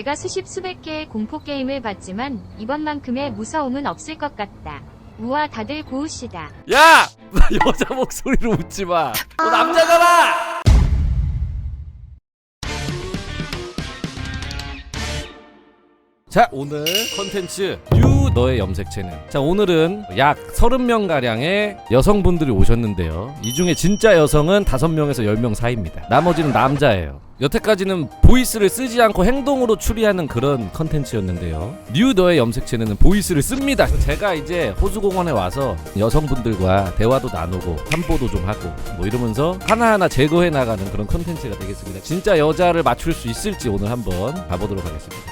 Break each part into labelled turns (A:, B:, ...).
A: 내가 수십 수백 개의 공포게임을 봤지만 이번만큼의 무서움은 없을 것 같다. 우와 다들 고우시다.
B: 야! 여자 목소리로 웃지마. 너 남자잖아! 자, 오늘 컨텐츠 뉴 너의 염색체는, 자 오늘은 약 30명가량의 여성분들이 오셨는데요. 이 중에 진짜 여성은 5명에서 10명 사이입니다. 나머지는 남자예요. 여태까지는 보이스를 쓰지 않고 행동으로 추리하는 그런 컨텐츠였는데요. 뉴 너의 염색체는 보이스를 씁니다. 제가 이제 호수공원에 와서 여성분들과 대화도 나누고 환보도 좀 하고 뭐 이러면서 하나하나 제거해 나가는 그런 컨텐츠가 되겠습니다. 진짜 여자를 맞출 수 있을지 오늘 한번 가보도록 하겠습니다.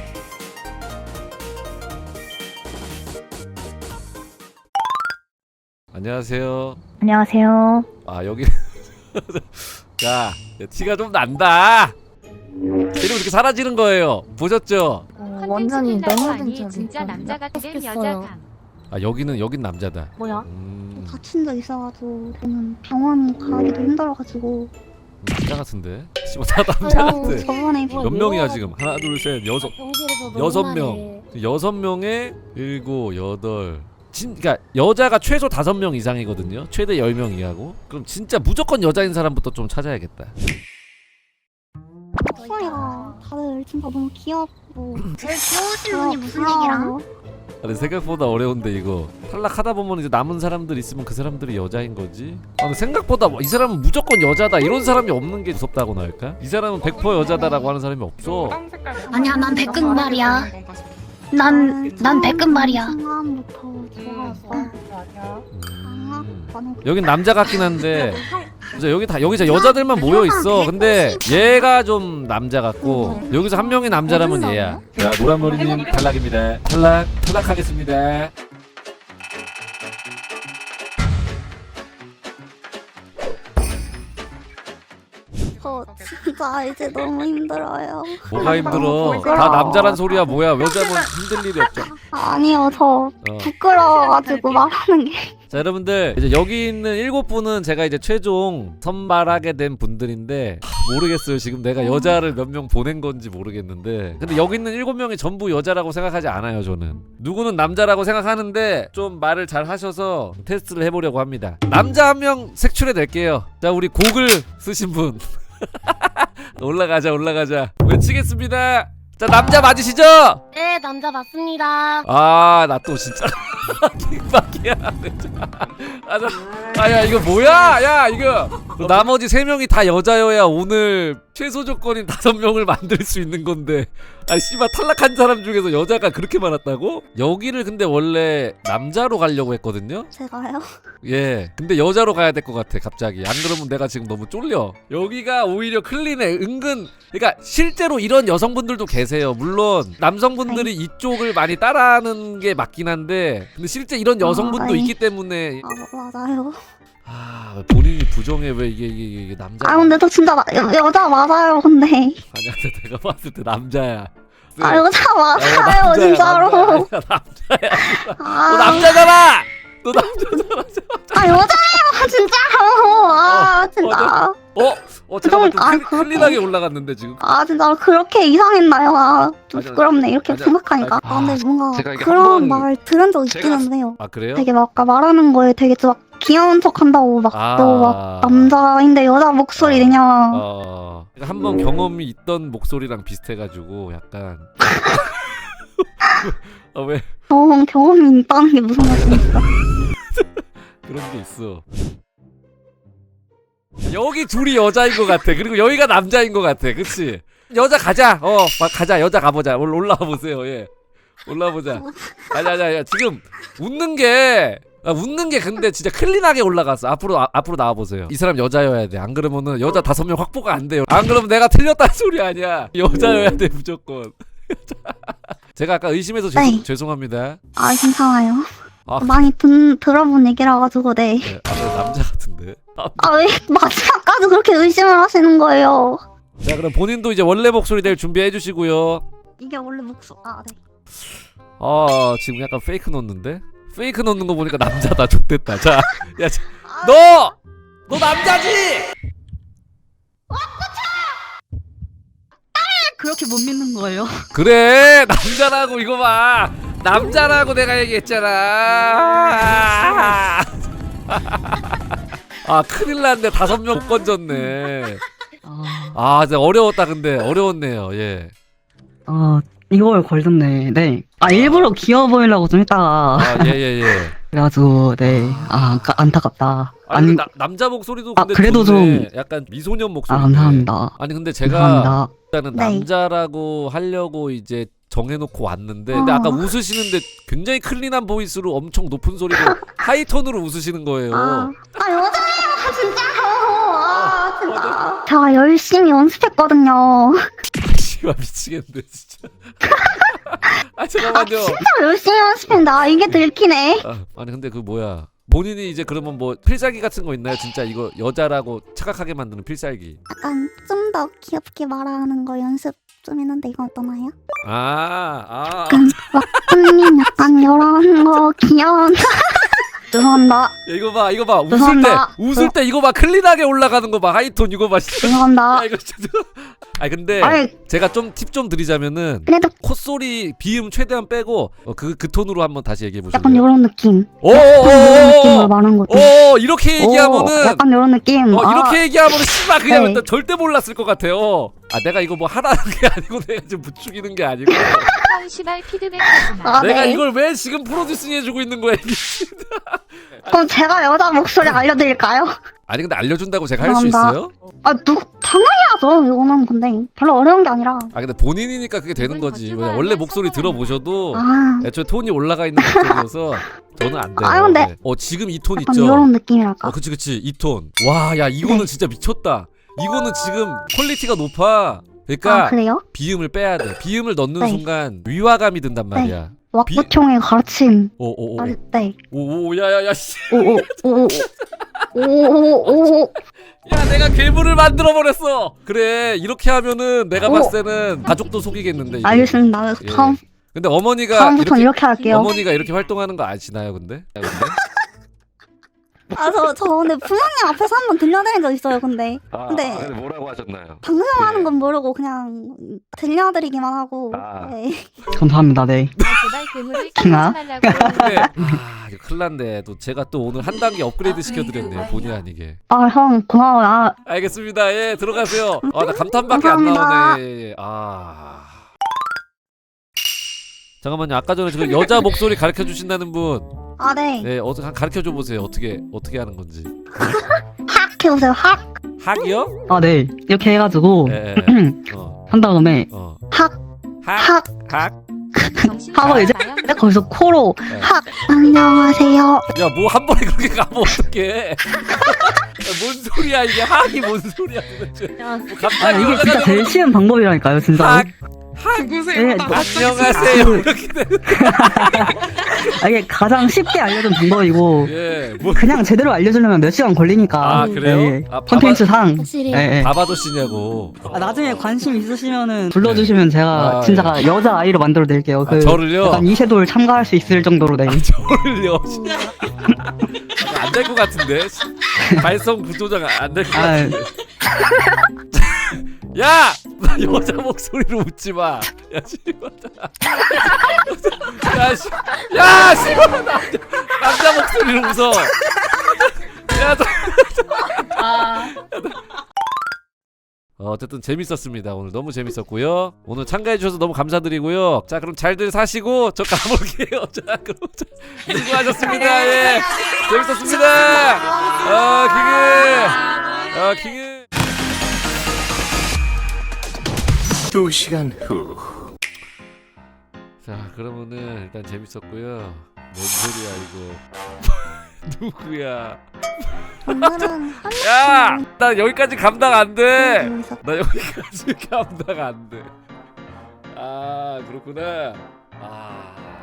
B: 안녕하세요.
C: 안녕하세요.
B: 아 여기 자 티가 좀 난다. 이러면 이렇게 사라지는 거예요. 보셨죠?
C: 완전히 너무
A: 아니 진짜 남자 같은 여자감.
B: 아 여긴 남자다.
C: 뭐야?
D: 다친 적 있어가지고 저는 병원 가기도 힘들어가지고
B: 남자 같은데? 씨발 다 남자 같아.
D: 저번에
B: 몇 명이야 지금? 하나 둘 셋 여섯 여섯 명. 6명에 7, 8. 그러니까 여자가 최소 5명 이상이거든요. 최대 10명 이하고. 그럼 진짜 무조건 여자인 사람부터 좀 찾아야겠다.
D: 목소리가 다들 진짜 너무 귀엽고
E: 제일 귀여우신 분이 무슨 얘기랑?
B: 근데 생각보다 어려운데 이거 탈락하다 보면 이제 남은 사람들 있으면 그 사람들이 여자인 거지. 아 근데 생각보다 이 사람은 무조건 여자다 이런 사람이 없는 게 무섭다고나 할까? 이 사람은 100% 여자다라고 하는 사람이 없어.
E: 아니야 난 백금 말이야. 난 백금 말이야.
D: 순간부터 좋아했어.
B: 여긴 남자 같긴 한데 진짜 여기 진짜 여자들만 모여 있어. 근데 얘가 좀 남자 같고 여기서 한 명이 남자라면 얘야. 자 노란머리님 탈락입니다. 탈락하겠습니다.
D: 저 진짜 이제 너무 힘들어요.
B: 뭐가 힘들어?
D: 부끄러워.
B: 다 남자란 소리야. 뭐야? 여자면 힘들 일이 없죠.
D: 아니요, 저 부끄러워가지고 말하는 게.
B: 자 여러분들 이제 여기 있는 7분은 제가 이제 최종 선발하게 된 분들인데 모르겠어요. 지금 내가 여자를 몇 명 보낸 건지 모르겠는데 근데 여기 있는 7명이 전부 여자라고 생각하지 않아요. 저는 누구는 남자라고 생각하는데 좀 말을 잘 하셔서 테스트를 해보려고 합니다. 남자 한 명 색출해 낼게요. 자 우리 곡을 쓰신 분 올라가자 외치겠습니다. 자 남자 맞으시죠?
E: 네 남자 맞습니다.
B: 아 나 또 진짜 킹박이야. 아야 이거 뭐야? 야 이거 나머지 3명이 다 여자여야 오늘 최소 조건인 5명을 만들 수 있는 건데 아 씨발 탈락한 사람 중에서 여자가 그렇게 많았다고? 여기를 근데 원래 남자로 가려고 했거든요?
D: 제가요?
B: 예 근데 여자로 가야 될 것 같아 갑자기. 안 그러면 내가 지금 너무 쫄려. 여기가 오히려 클린해. 은근 그러니까 실제로 이런 여성분들도 계세요. 물론 남성분들이 이쪽을 많이 따라하는 게 맞긴 한데 근데 실제 이런 여성분도
D: 네.
B: 있기 때문에
D: 맞아요.
B: 아 본인이 부정해. 왜 이게 남자?
D: 근데 저 진짜 여자 맞아요, 근데.
B: 아니야 내가 봤을 때 남자야.
D: 여자 맞아요,
B: 남자야,
D: 진짜로.
B: 남자야. 너 남자잖아. 너 남자잖아.
D: 여자예요, 진짜로. 진짜.
B: 잠깐만 좀 클린하게 올라갔는데 지금.
D: 진짜 그렇게 이상했나요? 좀
B: 아니,
D: 부끄럽네, 이렇게
B: 아니,
D: 생각하니까. 근데 뭔가
F: 제가 이게
D: 그런
F: 한번
D: 말 들은 적 있기는 해요.
B: 아 그래요?
D: 되게 막 아까 말하는 거에 되게 좀 귀여운 척 한다고 막 너 막 남자인데 여자 목소리 내냐.
B: 한번 경험이 있던 목소리랑 비슷해가지고 약간 왜
D: 경험이 있다는 게 무슨 말입니까?
B: 그런 게 있어. 여기 둘이 여자인 것 같아. 그리고 여기가 남자인 것 같아. 그치? 여자 가자. 가자. 여자 가보자. 올라와 보세요. 예. 올라보자. 아니야. 지금 웃는 게 근데 진짜 클린하게 올라갔어. 앞으로 나와보세요. 이 사람 여자여야 돼. 안 그러면은 여자 5명 확보가 안 돼요. 안 그러면 내가 틀렸다는 소리 아니야. 여자여야 돼 무조건. 제가 아까 의심해서
D: 네.
B: 죄송합니다.
D: 괜찮아요.
B: 아.
D: 많이 들어본 얘기라 가지고 네.
B: 네, 남자 같은데.
D: 왜 마지막까지 그렇게 의심을 하시는 거예요?
B: 자 그럼 본인도 이제 원래 목소리 낼 준비해 주시고요.
D: 이게 원래 목소리. 네.
B: 지금 약간 페이크 넣는데? 페이크 넣는 거 보니까 남자다. 좋댔다. 자, 야, 너 남자지?
F: 그렇게 못 믿는 거예요?
B: 그래 남자라고 이거 봐. 남자라고 내가 얘기했잖아. 아 큰일 났네. 5명 못 건졌네. 아 진짜 어려웠다. 근데 어려웠네요. 예.
F: 이걸 걸렸네. 네. 일부러 귀여워 보이려고 좀 했다가.
B: 예예예.
F: 그래가지고, 네. 안타깝다.
B: 아니 남자 목소리도 근데
F: 그래도
B: 좋네. 약간 미소년 목소리.
F: 감사합니다.
B: 아니 근데 제가
F: 감사합니다.
B: 일단은
D: 네.
B: 남자라고 하려고 이제 정해놓고 왔는데 근데 아까 웃으시는데 굉장히 클린한 보이스로 엄청 높은 소리로 하이톤으로 웃으시는 거예요.
D: 여자예요 진짜요. 진짜. 제가 열심히 연습했거든요.
B: 씨발 미치겠네 진짜. 아 잠깐만요.
D: 진짜 열심히 연습했는데 이게 들키네.
B: 아니 근데 그 뭐야 본인이 이제 그러면 뭐 필살기 같은 거 있나요? 진짜 이거 여자라고 착각하게 만드는 필살기.
D: 약간 좀 더 귀엽게 말하는 거 연습 좀 했는데 이건 어떠나요? 왁구님 약간 이런 거 귀여운. 죄송합니다.
B: 야, 이거 봐
D: 죄송합니다.
B: 웃을 때 이거 봐 클린하게 올라가는 거 봐 하이톤 이거 봐.
D: 죄송합니다.
B: 이거 진짜. 근데
D: 아이,
B: 제가 좀 팁 좀 드리자면은
D: 그래도
B: 콧소리 비음 최대한 빼고 그 톤으로 한번 다시 얘기해 보실래요?
D: 약간 이런 느낌.
B: 오오오오
D: 이런 느낌으로 말하는 거죠.
B: 이렇게 얘기하면은
D: 약간 이런 느낌.
B: 이렇게 얘기하면은 씨발 그냥
D: 네.
B: 일단 절대 몰랐을 것 같아요. 내가 이거 뭐 하라는 게 아니고 내가 좀 부추기는 게 아니고
A: 형 시발 피드백하지마.
B: 내가
D: 네.
B: 이걸 왜 지금 프로듀싱 해주고 있는 거야 이게.
D: 그럼 제가 여자 목소리 알려드릴까요?
B: 아니 근데 알려준다고 제가 할 수
D: 죄송합니다.
B: 있어요?
D: 당연히 하죠. 이거는 근데 별로 어려운 게 아니라.
B: 근데 본인이니까 그게 되는 거지. 원래 목소리 들어보셔도 애초에 톤이 올라가 있는 목소리여서 저는 안 돼요.
D: 근데
B: 네. 지금 이 톤
D: 약간
B: 있죠?
D: 이런 느낌이랄까.
B: 그치 이 톤. 와 야 이거는
D: 네.
B: 진짜 미쳤다. 이거는 지금 퀄리티가 높아. 그러니까
D: 그래요?
B: 비음을 빼야 돼. 비음을 넣는
D: 네.
B: 순간 위화감이 든단 말이야.
D: 왁구총의 가르침.
B: 오오오.
D: 네.
B: 오오 야야야 씨.
D: 오오오오오오오오.
B: 야 내가 괴물을 만들어 버렸어. 그래 이렇게 하면은 내가 봤을 때는 가족도 속이겠는데. 이게.
D: 알겠습니다.
B: 예. 근데
D: 다음부터는 이렇게 할게요.
B: 어머니가 이렇게 활동하는 거 아시나요, 근데?
D: 저 근데 부모님 앞에서 한번 들려드린 적 있어요. 근데
B: 근데 뭐라고 하셨나요?
D: 방송하는 건 모르고 그냥 들려드리기만 하고. 네.
F: 감사합니다. 네.
A: 제발 괴물을
F: 킹아?
A: 키우지 말라고.
B: 근데 이거 큰일 났네. 또 제가 또 오늘 한 단계 업그레이드 시켜드렸네요. 본의 아니게.
D: 형 고마워요.
B: 알겠습니다. 예, 들어가세요. 나 감탄밖에 안
D: 감사합니다.
B: 나오네. 예. 잠깐만요. 아까 전에 지금 여자 목소리 가르쳐 주신다는 분.
D: 네.
B: 네, 가르쳐 줘 보세요. 어떻게 하는 건지.
D: 학 해보세요. 학.
B: 학이요?
F: 네. 이렇게 해가지고
B: 예.
F: 한 다음에
D: 학.
B: 학.
A: 정신
F: 하고 이제
A: 차려봐요.
F: 거기서 코로
D: 학. 안녕하세요.
B: 야, 뭐 한 번에 그렇게 가면 어떡해? 뭔 소리야 이게 학이 뭔 소리야 도대체? 뭐 갑자기
F: 이게 진짜 제일 쉬운 방법이라니까요, 진짜로.
B: 누구세요?
F: 네,
B: 안녕하세요. 이렇게 되는.
F: 이게 가장 쉽게 알려준 방법이고
B: 예,
F: 그냥 제대로 알려주려면 몇 시간 걸리니까.
B: 그래요?
F: 네.
B: 아,
F: 콘텐츠 상.
D: 확실히.
F: 네.
B: 바바도 씨냐고.
F: 나중에 관심 있으시면은 불러주시면 제가 진짜
B: 예.
F: 여자 아이로 만들어 드릴게요.
B: 저를요?
F: 약간 이세돌 참가할 수 있을 정도로. 네.
B: 저를요. 안 될 것 같은데. 발성 구조자가 안 될 것 같은데. 야! 나 여자 목소리로 웃지 마. 야, 씨발. 야, 씨발. 남자 목소리로 웃어. 야, 어쨌든 재밌었습니다. 오늘 너무 재밌었고요. 오늘 참가해 주셔서 너무 감사드리고요. 자, 그럼 잘들 사시고 저 가볼게요. 자, 그럼 수고하셨습니다. 예, 재밌었습니다. 킹은.
G: 2시간 후.
B: 자, 그러면은 일단 재밌었고요. 뭔 소리야 이거? 누구야?
D: 오늘은
B: 야, 나 여기까지 감당 안 돼.
D: 여기서
B: 나 여기까지 감당 안 돼. 그렇구나.